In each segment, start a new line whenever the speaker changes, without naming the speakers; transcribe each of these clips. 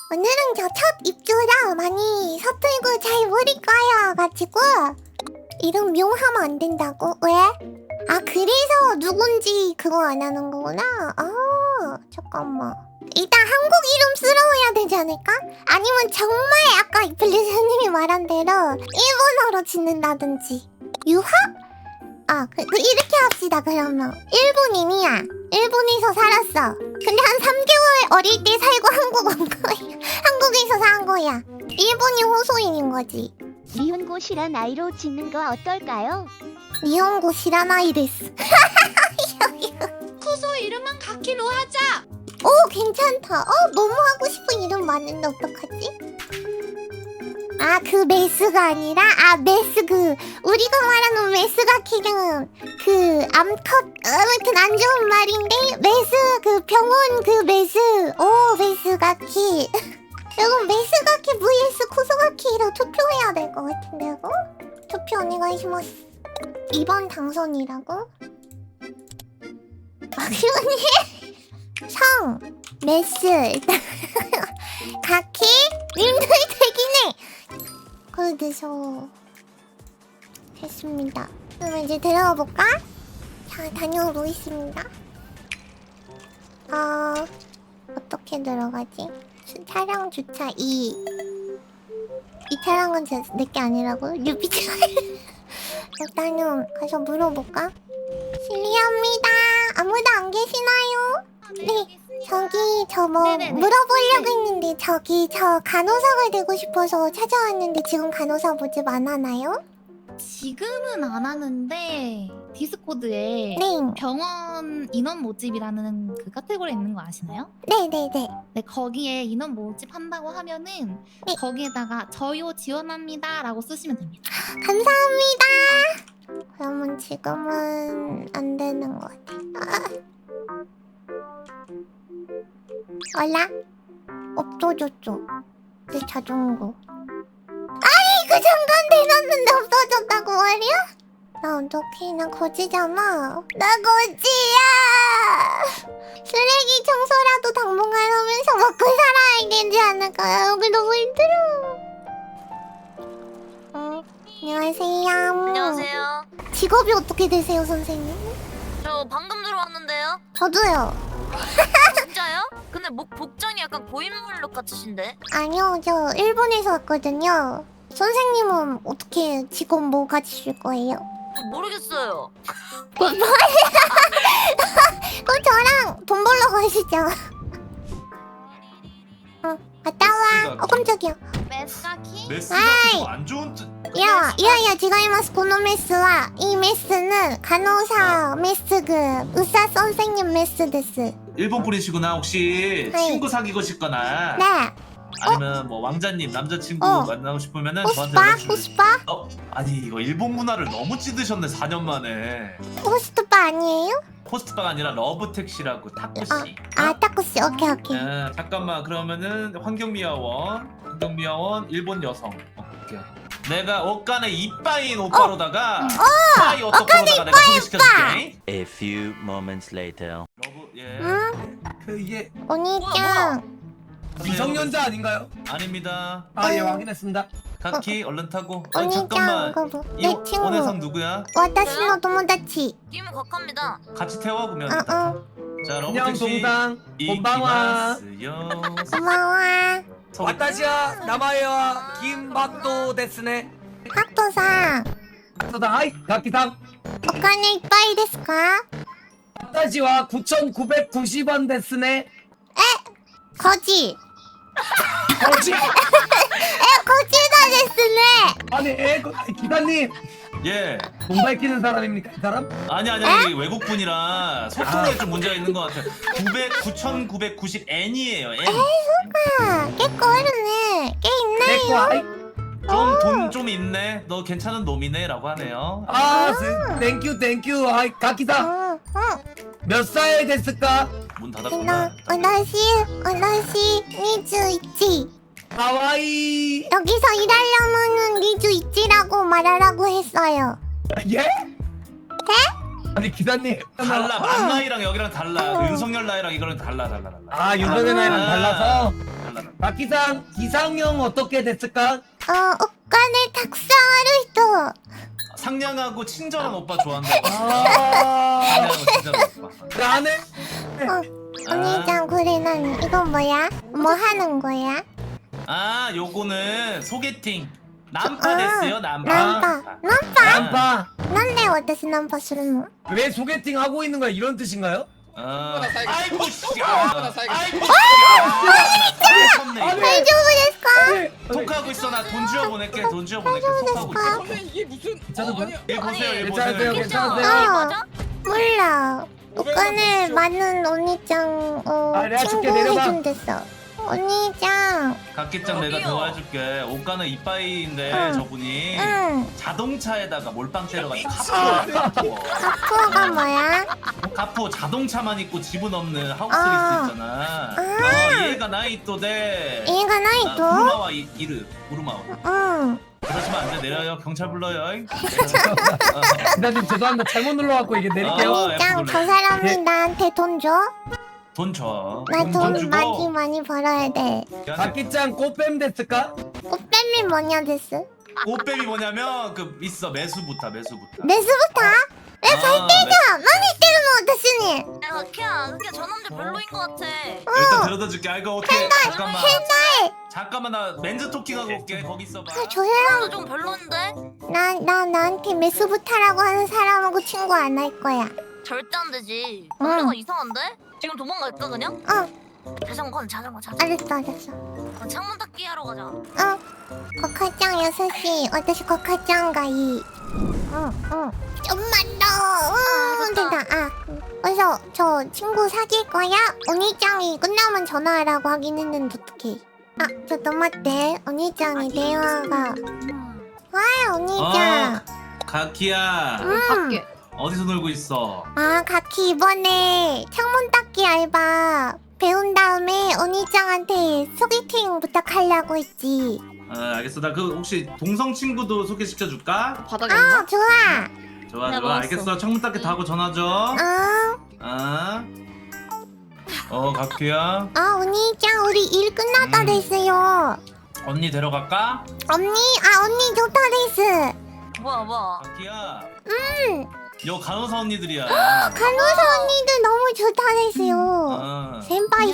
오늘은 저 첫 입주라 많이 서툴고 잘 모를 거야 가지고 이름 묘하면 안 된다고? 왜? 아 그래서 누군지 그거 안 하는 거구나? 아 잠깐만 일단 한국 이름 쓰러워야 되지 않을까? 아니면 정말 아까 이플리스님이 말한 대로 일본어로 짓는다든지 유학? 아 이렇게 합시다 그러면 일본인이야 일본에서 살았어 근데 한 3개월 어릴 때 살고 한국 온 거야 한국에서 산 거야 일본인 호소인인 거지
니혼고 시라나이로 짓는 거 어떨까요?
니혼고 시라나이데스
쿠소 이름은 가키로 하자.
오 괜찮다 너무 하고 싶은 이름 많은데 어떡하지? 아 그 메스가 아니라 메스 우리가 말하는 메스가키는 암컷 아무튼 안 좋은 말인데 메스 병원 메스 오 메스가키 여러분 메스가키 vs 쿠소가키로 투표해야 될 것 같은데 이거? 투표 오네가이시마스 이번 당선이라고? 막히오니? 성 메스 일단 가키 님들 되긴 해 그래서 됐습니다. 그럼 이제 들어가 볼까? 자 다녀오겠습니다. 어떻게 들어가지? 차량 주차 2. 이 차량은 내게 아니라고? 유비차. 일단은 가서 물어볼까? 실례합니다. 아무도 안 계시나요? 네. 저기 물어보려고 했는데 저 간호사가 되고 싶어서 찾아왔는데 지금 간호사 모집 안 하나요?
지금은 안 하는데 디스코드에
네.
병원 인원 모집이라는 그 카테고리 있는 거 아시나요?
네네네.
네, 거기에 인원 모집 한다고 하면은
네.
거기에다가 저요 지원합니다 라고 쓰시면 됩니다.
감사합니다. 그러면 지금은 안 되는 것 같아. 얼라? 없어졌죠. 내 자전거. 아니 그 잠깐 대놨는데 없어졌다고 말이야? 나 어떡해 나 거지잖아. 나 거지야. 쓰레기 청소라도 당분간 하면서 먹고 살아야 되지 않을까요? 여기 너무 힘들어. 안녕하세요.
안녕하세요.
직업이 어떻게 되세요 선생님?
저 방금 들어왔는데요.
저도요.
진짜요? 근데 복장이 약간 고인물룩 같으신데?
아니요, 저 일본에서 왔거든요. 선생님은 어떻게 직업 뭐 가지실 거예요?
모르겠어요.
그럼 저랑 돈 벌러 가시죠. 갔다 와. 깜짝이야.
메스가키?
메스가
아이.
안 좋은 뜻.
야, 지가이마스 고노 메스와 이 메스는 간호사 메스 의사 선생님 메스 데스.
일본 분이시구나. 혹시
네.
친구 사귀고 싶거나
네.
아니면 뭐 왕자님 남자친구 만나고 싶으면은 저한테
호스파?
연락 주세요.
호스파?
아니 이거 일본 문화를 너무 찌드셨네 4년 만에.
호스트파 아니에요?
호스트바가 아니라 러브택시라고 타쿠씨.
타쿠씨. 오케이.
잠깐만 그러면은 환경미화원 일본 여성. 오케이. 내가 옷간에 이빠인 오빠로다가 빠이 오토코로다가 내가 소개시켜줄게.
A few moments later.
러브 예.
응?
이게
오니짱.
미성년자 아닌가요?
아닙니다.
예 확인했습니다.
카키 얼른 타고. 아니
오니짱
잠깐만.
그거
이
내 친구.
오네상 누구야?
와타시노 도모다치.
끼면 각합니다.
같이 태워 그러면.
어.
자
안녕
러브택시.
동상. 곤방와.
이기마스요.
고마워.
와타시와 나마에와 김박도 데스네.
학도상.
소다 하이 가키상.
오카네 이빠이 데스까?
와타시와 9,990원 데스네.
거지.
거지.
거지다 데스네.
아니 기사님
예.
돈 밝히는 사람입니까 이 사람?
아니 이게 외국 분이라 소통에 좀 문제가 있는 것 같아. 9,990 N이에요. N.
꽤 꺼르네. 꽤
내거
있나요?
하이.
돈 좀 있네. 너 괜찮은 놈이네라고 하네요.
땡큐 하이 가키상 몇 살 됐을까?
문 닫았구나.
오나시 21.
하와이.
여기서 일하려면은 리주 있지라고 말하라고 했어요.
예? 아니 기사님
달라. 만 나이랑 여기랑 달라. 윤석열 나이랑 이거랑 달라.
아 윤석열 나이랑 달라서.
달라.
가키상 이상형 어떻게 됐을까?
옷간을 탁상하루
상냥하고 친절한 오빠 좋아한다.
아
상냥하고 친절한 오빠.
나는
언니짱 그래 난 이건 뭐야? 뭐 하는 거야?
아 요거는 소개팅. 남파 됐어요 남파.
남파
안파
난데 어디서 남파するの?
왜 소개팅 하고 있는 거야 이런 뜻인가요?
아이고 씨. 아이고
아니,
씨.
대丈夫ですか?
톡하고 있어 나 돈 주워 보낼게 돈 주워 보낼게 톡하고 있어.
선배 이게 무슨
괜찮은가요?
일 보세요 일
괜찮으세요?
보세요.
괜찮으세요?
맞아?
몰라. 옷간을 많은 언니짱
내가
친구
줄게, 내려봐.
해준댔어. 언니짱.
각기장 내가
여기요.
도와줄게. 옷가는 이빠이인데
응.
저분이
응.
자동차에다가 몰빵 때려가지고 카푸.
카푸가 뭐야?
카푸 자동차만 있고 집은 없는 하우스
아.
리스 있잖아.
아.
얘가 나이 또대.
얘가 나이 또?
우르마와 이르 우르마와.
응.
그러시면 안 돼. 내려요. 경찰 불러요.
기사님 죄송합니다 잘못 눌러갖고 이게 내릴게요
언니짱 저 사람이 나한테 돈 줘?
돈 줘.
나 돈
주고.
많이 벌어야 돼.
가키짱 꽃뱀 됐을까?
꽃뱀이 뭐냐 됐어?
옷뱀이 뭐냐면 그 있어 매수부터.
매수부터?
왜
야, 많이 때리면 어떠시니?
야 키야 그게 저 남자 별로인 것 같아.
일단 데려다 줄게. 아 이거 어떻게 잠깐만 나 멘즈 토킹하고 올게. 거기 있어봐.
저 사람
나도 좀 별론데?
나한테 매수부타라고 하는 사람하고 친구 안 할 거야.
절대 안 되지.
응.
남자가 이상한데? 지금 도망갈까 그냥? 자전거 자전거.
알았어.
창문 닫기 하러 가자.
거카짱 6시. 私 거카짱 가이. 좀만 더. 됐다. 그래서 저 친구 사귈 거야? 언니짱이 끝나면 전화하라고 하긴 했는데 어떡해. 저待って. 언니짱이 대화가. 와, 언니짱.
가키야
밖에.
어디서 놀고 있어?
가키 이번에 창문 닦기 알바 배운 다음에 언니짱한테 소개팅 부탁하려고 했지.
알겠어. 나 그 혹시 동성 친구도 소개시켜 줄까?
바닥에 있나?
좋아.
좋아
나
좋아.
먹었어.
알겠어. 창문 닫기 다 하고 전화 줘. 가키야.
언니짱 우리 일 끝났다 됐어요.
언니 데려갈까?
언니 좋다 됐어.
뭐야.
가키야. 요 간호사 언니들이야.
간호사 언니들 너무 좋다 됐어요. 센파이.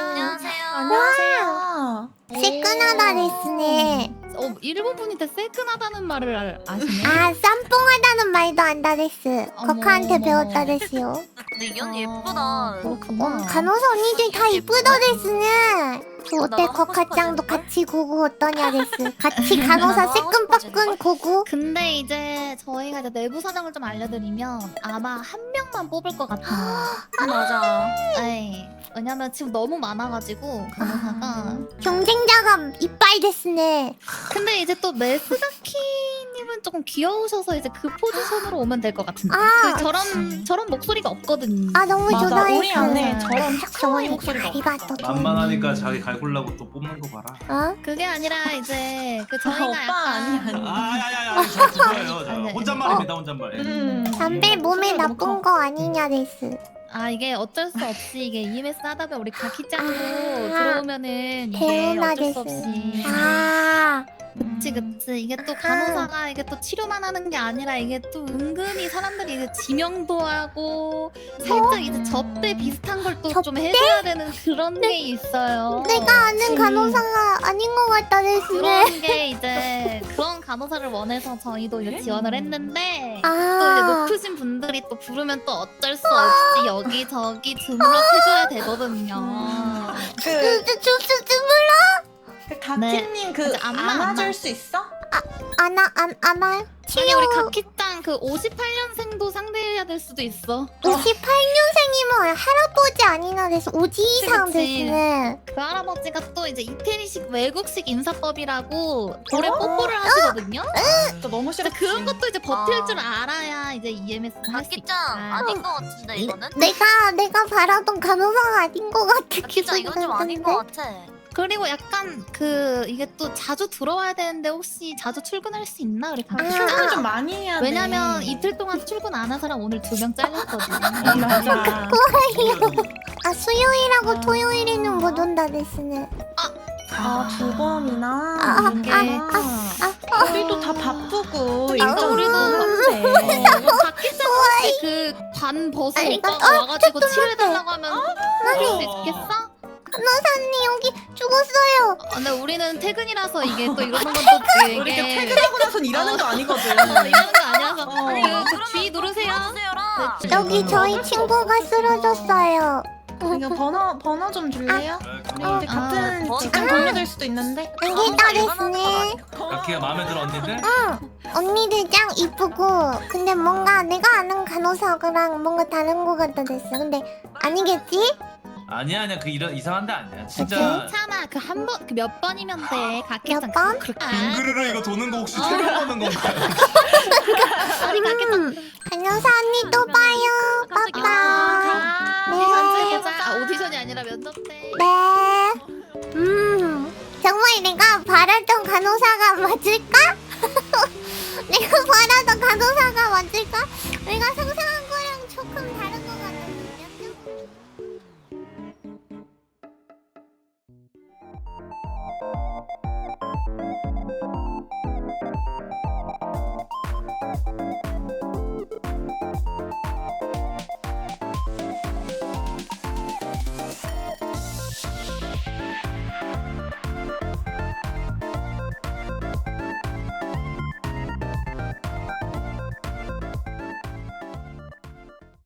안녕하세요.
새끈하다 됐으네.
일본 분인데 세끈하다는 말을 아시네.
쌈뽕하다는 말도 안다 됐어.
어머,
거카한테
어머.
배웠다 됐어요.
근데 이 언니 예쁘다.
그렇구나.
간호사 언니들 다 이쁘다 됐으네. 저 어때
나도 하고
거카짱도
싶어지는데?
같이 고고 어떠냐 됐어. 같이 간호사
나도 하고
새끈빠끈 고고.
근데 이제 저희가 이제 내부 사정을 좀 알려드리면 아마 한 명만 뽑을 것 같아요.
맞아.
네. 왜냐면 지금 너무 많아가지고 간호사가.
경쟁자가 이빨 됐으네.
근데 이제 또 메스가키님은 조금 귀여우셔서 이제 그 포지션으로 오면 될 것 같은데. 저런 목소리가 없거든요.
너무
맞아,
좋다
우리 안에
했어.
저런 탁성의 목소리가
다리가 또
만만하니까 자기 갈굴라고 또 뽑는 거 봐라.
그게 아니라 이제 그 저희가
오빠
약간
야야야 저 그거예요. 저
아니,
혼잣말입니다 혼잣말.
담배 몸에
목소리가
나쁜
너무
거 아니냐 됐어.
이게 어쩔 수 없이 이게 EMS 하다 보면 우리 가키짱도 들어오면은 이게
개운하
어쩔 수
됐어.
없이 그치 이게 또 간호사가 이게 또 치료만 하는 게 아니라 이게 또 은근히 사람들이 이제 지명도 하고 살짝 이제 접대 비슷한 걸 또 좀 해줘야 되는 그런 게 있어요.
내가 아는 간호사가 아닌 것 같다 됐으네.
그런 게 이제 그런 간호사를 원해서 저희도 이제 지원을 했는데 또 이제 높으신 분들이 또 부르면 또 어쩔 수 없이 여기저기 주물럭해줘야 되거든요.
그 가키님 그
이제 안아요.
안아줄 수 있어?
안아요?
아니 우리 가키짱 그 58년생도 상대해야 될 수도 있어.
58년생이면 할아버지 아니나 돼서 오지 이상
그치.
됐으네.
그 할아버지가 또 이제 이태리식 외국식 인사법이라고 돌에 뽀뽀를 하시거든요.
진짜 너무
이제
싫어.
그런 것도 이제 버틸
아.
줄 알아야 이제 EMS 할 수 있다.
박기짱 아닌 것 같은데 이거는?
내가 바라던 간호사가 아닌 것 같아.
박기짱 이건 좀 아닌 것 같아.
그리고 약간 그 이게 또 자주 들어와야 되는데 혹시 자주 출근할 수 있나 우리
출근을
가키짱?
좀 많이 해야 돼.
왜냐면 이틀 동안 출근 안 한 사람 오늘 2명 잘렸거든요.
맞아.
수요일하고 토요일에는 못 온다 됐으네.
두 번이나
아,
이게 우리도 다 바쁘고
그러니까
일정
우리도
바쁜데
박기자 혹시 그반 벗으니까 와가지고 치료해달라고 하면 그럴 수 있겠어?
간호사님 여기 죽었어요.
근데 우리는 퇴근이라서 이게 또 이러는 건 또
우리 이렇게
되게
퇴근하고 나선 일하는 거 아니거든.
이러는 거 아니라서
그
G 누르세요.
주세요라.
여기 저희 친구가 쓰러졌어요.
이거 번호 좀 줄래요? 우리 이제 같은 직장 동료될 수도 있는데.
안기다 됐네.
가키가 마음에 들어 언니들?
언니들 짱 이쁘고 근데 뭔가 내가 아는 간호사랑 뭔가 다른 거 같다 됐어. 근데 아니겠지?
아니야 그 이런 이상한데 아니야 진짜.
괜찮아. 그 한 번 그 몇 번이면 돼. 각기장
몇 번?
빙그르르 이거 도는 거 혹시 처음 보는 건가요?
아니 각기장
간호사 언니 또 봐요. 빠빠. 네.
오디션이 아니라 면접 때.
네. 정말 내가 바랐던 간호사가 맞을까? 내가 바랐던 간호사가 맞을까? 내가 상상